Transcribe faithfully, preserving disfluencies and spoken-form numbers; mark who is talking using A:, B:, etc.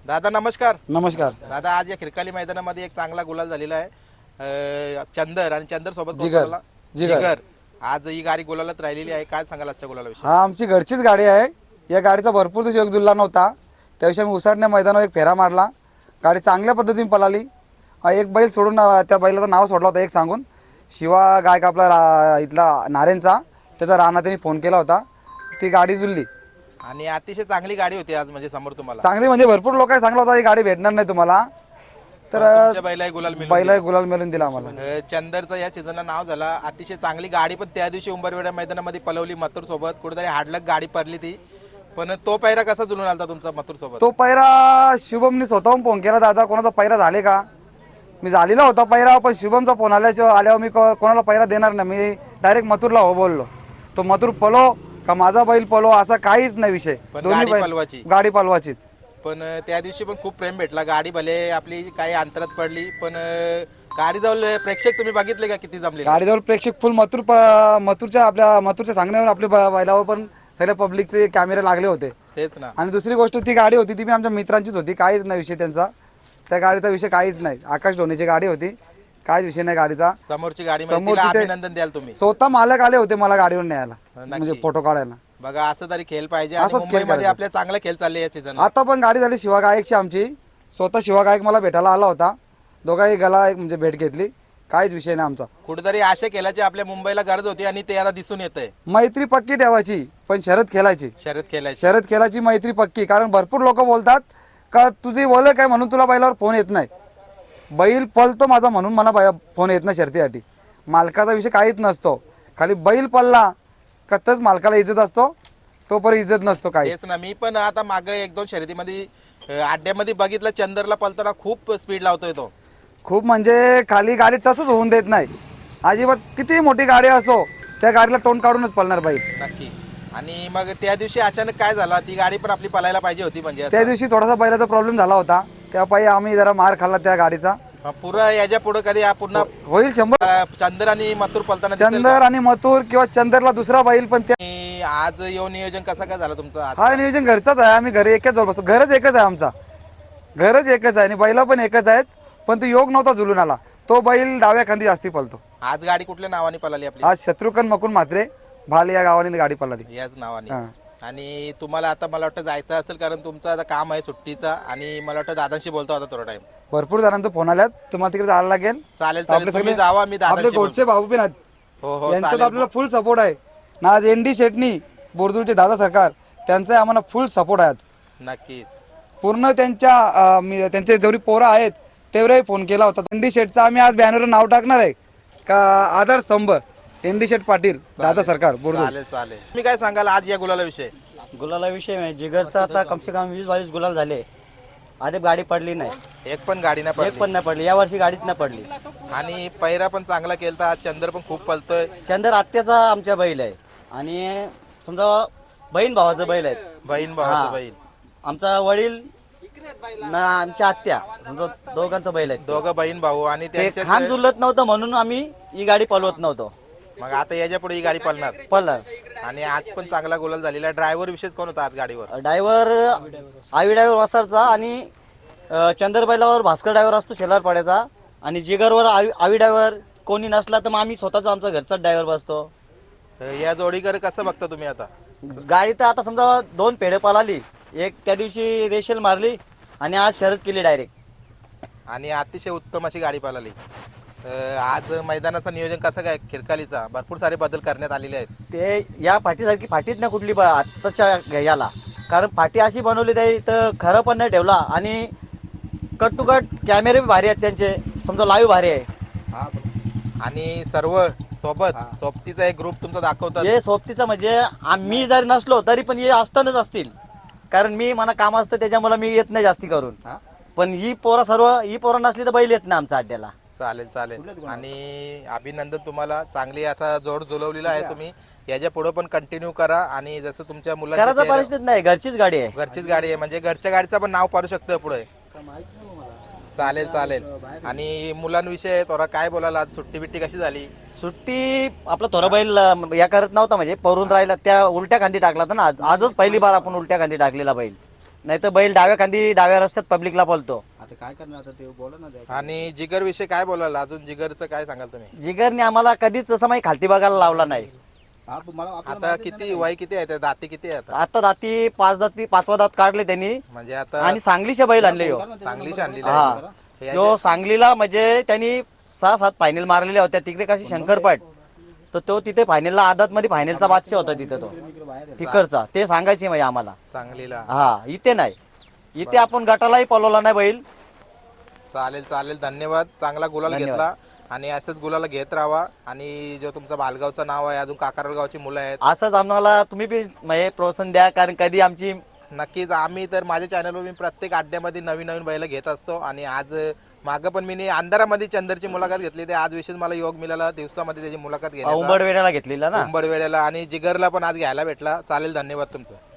A: दादा नमस्कार.
B: नमस्कार
A: दादा आज या खिरकाली मैदानामध्ये एक चांगला गुलाल झालेला आहे. अं, चंदर आणि चंदर सोबत कोण
B: जिगर.
A: बोलला?
B: जिगर.
A: जिगर. आज ही गाडी गुलालात राहिलेली आहे. काय सांगाल आजच्या गुलालाविषयी?
B: हा आमची घरचीच गाडी आहे. या गाडीचा भरपूर दिवस योग जुळला नव्हता, त्याविषयी आम्ही उसाटण्या मैदानावर एक फेरा मारला. गाडी चांगल्या पद्धतीने पळाली. अं, एक बैल सोडून अं, त्या बैलाचं नाव सोडलं होतं एक सांगून, शिवा गायक आपला रा इथला नारेंचा, त्याचा राणा त्यांनी फोन केला होता. ती गाडी जुळली
A: आणि अतिशय चांगली गाडी होती आज म्हणजे समोर तुम्हाला.
B: चांगली, म्हणजे भरपूर लोक सांगला होता ही गाडी भेटणार नाही तुम्हाला, तर
A: तुमच्या बैलाही गुलाल मिळून
B: बैला गुलाल मिळून दिला आम्हाला.
A: अं, चंदरचं या सीझनला नाव झाला. अतिशय चांगली गाडी पण त्या दिवशी उंबरवेडा मैदानामध्ये पलवली मथुर सोबत. कुठेतरी हाडलक गाडी पडली ती, पण तो पैरा कसा जुळून आलता तुमचा मथुर सोबत?
B: तो पैरा शुभमने स्वतःहून फोन केला, दादा कोणाचा पैरा झाले का? मी झालेला होता पैरा, पण शुभमचा फोन आल्याशिवाय आल्यावर मी को- कोणाला पैरा देणार नाही. मी डायरेक्ट मथुरला हो बोललो. तो मथुर पलो का माझा बैल पलो असा काहीच नाही विषय.
A: पण
B: दोन्ही
A: गाडी
B: बैल
A: पलवाची.
B: गाडी पलवाचीच.
A: पण अं, त्या दिवशी पण खूप प्रेम भेटला. गाडी भले आपली काही अंतरात पडली, पण अं, गाडी जवळ प्रेक्षक तुम्ही बघितले का किती जमले?
B: गाडीजवळ प्रेक्षक फुल मथुर प- मथुरच्या आपल्या मथुरच्या सांगण्यावर आपल्या ब- बैलावर पण सगळ्या पब्लिकचे कॅमेरे लागले होते.
A: तेच ना.
B: आणि दुसरी गोष्ट ती गाडी होती ती पण आमच्या मित्रांचीच होती, काहीच नाही विषय त्यांचा. त्या गाडीचा विषय काहीच नाही. आकाश धोनीची गाडी होती, काहीच विषय नाही गाडीचा.
A: समोरची गाडी म्हणजे
B: समोरची
A: तिला
B: ते-
A: अभिनंदन द्याल तुम्ही.
B: स्वतः मालक आले होते मला गाडीवर न्यायला,
A: नक्की.
B: म्हणजे फोटो काढायला.
A: बघा असं तरी खेळ पाहिजे. आणि
B: असंच खेळ
A: मुंबईमध्ये
B: करायचा.
A: आपल्या चांगला खेळ चालले या सीझन.
B: आता पण गाडी झाली शिवा गायकची आमची. स्वतः शिवा गायक मला भेटायला आला होता, दोघाही गला एक म्हणजे भेट घेतली. काहीच विषय नाही आमचा.
A: कुठेतरी आशा खेळाची आपल्या मुंबईला गरज होती आणि ते आता दिसून येत आहे.
B: मैत्री पक्की ठेवायची, पण शरद खेळायची.
A: शर्यत खेळायची.
B: शरद खेळाची मैत्री पक्की. कारण भरपूर लोक बोलतात का तुझी बोल काय म्हणून तुला बैलावर फोन येत नाही. बैल पळतो माझा म्हणून मला बै- फोन येत नाही शर्तीसाठी. मालकाचा विषय काहीच नसतो. खाली बैल पळला का तच मालकाला इज्जत असतो, तो पण इज्जत नसतो काही.
A: तेच ना. मी पण आता मागे एक दोन शर्यतीमध्ये अं, अड्ड्यामध्ये बघितलं चंदरला पळताना खूप स्पीड लावतोय तो.
B: खूप म्हणजे खाली गाडी टचच होऊन देत नाही अजिबात. किती मोठी गाडी असो त्या गाडीला तोंड काढूनच पळणार बैल.
A: नक्की. आणि मग त्या दिवशी अचानक काय झाला, ती गाडी पण आपली पळायला पाहिजे होती म्हणजे असं.
B: त्या दिवशी थोडासा बैलाचा प्रॉब्लेम झाला होता, त्यापायी आम्ही जरा मार खाल्ला त्या गाडीचा.
A: अं, पुढं याच्या पुढे कधी हा पुन्हा
B: होईल शंभर.
A: अं, चंदर आणि मथुर पळताना दिसेल का?
B: चंदर आणि मथुर किंवा चंदरला दुसरा बैल पण त्या.
A: आणि आज येऊन नियोजन कसं काय झालं तुमचं आज?
B: हा नियोजन घरचाच आहे. आम्ही घरी एकच जवळ बसतो. घरच एकच आहे आमचा, घरच एकच आहे आणि बैला पण एकच आहेत. पण तो योग नव्हता जुलून आला. तो बैल डाव्या खांदी जास्ती पळतो.
A: आज गाडी कुठल्या नावाने पळाली आपली?
B: आज शत्रुघ्न मकुन म्हात्रे भाल या गावाने गाडी पळाली.
A: याच नावाने.
B: हा.
A: आणि तुम्हाला आता मला वाटतं जायचं असेल, कारण तुमचं आता काम आहे सुट्टीचा. आणि मला वाटतं दादांशी बोलतो आता थोडा टाइम.
B: भरपूर जणांचा फोन आल्यात, तुम्हाला तिकडे जायला लागेल.
A: चालेल
B: आपले
A: चालेल. तुम्ही
B: सगळे
A: जावा, मी
B: आपले
A: दादांशी बोलतो.
B: गोडचे भाऊ पण आहेत.
A: हो हो
B: यांचा तर
A: चालेल.
B: आपल्याला फुल सपोर्ट आहे ना. आज एन डी शेटणी बोरदूरचे दादा सरकार, त्यांचा आम्हाला फुल सपोर्ट आहे आज.
A: नक्की.
B: पूर्ण त्यांच्या अं, मी त्यांचे जेवढी पोरं आहेत तेवढाही फोन केला होता. एन डी शेटचा आम्ही आज बॅनरवर नाव टाकणार आहे का आधार स्तंभ एन डी शेट पाटील दादा सरकार बोरदूर.
A: चालेल चालेल. तुम्ही काय सांगाल आज या गुलाला विषय?
C: गुलाला विषय नाही. जिगरचा आता कम से कम वीस बावीस गुलाल झाले. आधी गाडी पडली नाही,
A: एक पण गाडी नाही
C: एक
A: पडली.
C: पण नाही पडली. या वर्षी गाडीत नाही पडली.
A: आणि पैरा पण चांगला केलता. आज चंदर पण खूप पळतोय.
C: चंदर आत्याचा आमच्या बैल आहे आणि समजा बहीण भावाचा बैल आहे.
A: बहीण भावाचं
C: हा.
A: बैल.
C: आमचा वडील ना आमच्या आत्या समजा दोघांचा बैल आहे.
A: दोघं बहीण भाऊ. आणि
C: ते
A: त्यांचे
C: खान जुलत नव्हतं म्हणून आम्ही ही गाडी पळवत नव्हतो.
A: मग आता याच्या पुढे ही गाडी पळणार.
C: पळणार.
A: आणि आज पण चांगला गुलाल झालेला. ड्रायव्हर विशेष कोण होता आज गाडीवर?
C: ड्रायव्हर आवी ड्रायव्हर वसारचा आणि अ, चंदर बैलावर भास्कर ड्रायव्हर असतो शेलार पाड्याचा. आणि जिगरवर आवी आवी ड्रायव्हर कोणी नसला तर मग आम्ही स्वतःचा आमचा घरचा ड्रायव्हर बसतो.
A: या जोडीकडे कसं बघता तुम्ही आता?
C: गाडी तर आता समजा दोन पेढे पळाली. एक त्या दिवशी रेशेल मारली आणि आज शर्यत केली डायरेक्ट.
A: आणि अतिशय उत्तम अशी गाडी पळाली. अं, आज मैदानाचं नियोजन कसं काय? खिरकालीचा भरपूर सारे बदल करण्यात आलेले आहेत.
C: ते या फाटीसारखी फाटीच नाही कुठली ब- आत्ताच्या याला. कारण फाटी अशी बनवली त्याही तर खरं पण नाही ठेवला. आणि कट टू कट कॅमेरे बी भारी आहेत त्यांचे, समजा लाईव्ह भारी आहे.
A: आणि सर्व सोबत सोबतीचा एक ग्रुप तुमचा दाखवतात.
C: हे सोबतीचं म्हणजे आम्ही जरी नसलो तरी पण हे असतानाच असतील. कारण मी मला काम असतं त्याच्यामुळे मी येत नाही जास्ती करून. पण ही पोरं सर्व ही पोरं नसली तर बैल येत नाही आमच्या अड्ड्याला.
A: चालेल चालेल. आणि अभिनंदन तुम्हाला. चांगली आता जोड जुलवलेला आहे तुम्ही. याच्या पुढे पण कंटिन्यू करा. आणि जसं तुमच्या
C: करायचा
A: मुलांच्या
C: परिस्थिती नाही, घरचीच गाडी आहे.
A: घरचीच गाडी आहे म्हणजे घरच्या गाडीचं पण नाव पाडू शकतं पुढे. चालेल चालेल. आणि मुलांविषयी थोडा काय बोलायला? आज सुट्टी बिट्टी कशी झाली?
C: सुट्टी आपला थोडा बैल अं, या करत नव्हता म्हणजे परून राहिला. त्या उलट्या खांदी टाकला होता ना आज. आजच पहिली बार आपण उलट्या खांदी टाकलेला बैल. नाही तर बैल डाव्या खांदी डाव्या रस्त्यात पब्लिकला पळतो.
D: आता काय करणार आता ते बोला ना द्या.
A: आणि जिगर विषय काय बोलाल अजून जिगरचं काय सांगाल तुम्ही?
C: जिगरने आम्हाला कधीच असं माहिती खालती बघायला लावला नाही.
D: आप- मला आपल्याला
A: आता किती वय किती आहे त्या दाती किती आहे आता?
C: आता दाती पाच दाती पाचवा दात काढले त्यांनी
A: म्हणजे आता
C: आणि सांगलीचे बैल आणले हो.
A: चांगलीच आणली
C: हा जो सांगलीला म्हणजे त्यांनी सहा सात फायनल मारलेल्या होत्या तिकडे कशी शंकरपट, तर तो तिथे फायनलला आदत मध्ये फायनलचा बादशाह होता तिथे तो तिकडचा. ते सांगायचे म्हणजे आम्हाला.
A: सांगलीला.
C: हा इथे नाही, इथे आपण गटालाही पळवला नाही बैल.
A: चालेल चालेल, धन्यवाद. चांगला गुलाल
C: धन्यवाद.
A: घेतला आणि असंच गुलाल घेत राहा. आणि जो तुमचा भालगावचं नाव आहे, अजून काकारल गावची मुलं आहेत,
C: असंच आम्हाला तुम्ही बी म्हणजे प्रोत्साहन द्या, कारण कधी आमची
A: नक्कीच. आम्ही तर माझ्या चॅनलवर मी प्रत्येक अड्ड्यामध्ये नवीन नवीन बैल घेत असतो. आणि आज मागं पण मी अंधारामध्ये चंदरची मुलाखत घेतली, ते आज विशेष मला योग मिळाला दिवसामध्ये त्याची मुलाखत घेण्याचा,
C: उंबड वेळेला घेतलेला ना.
A: उंबड वेळेला. आणि जिगरला पण आज घ्यायला भेटला. चालेल, धन्यवाद तुमचं.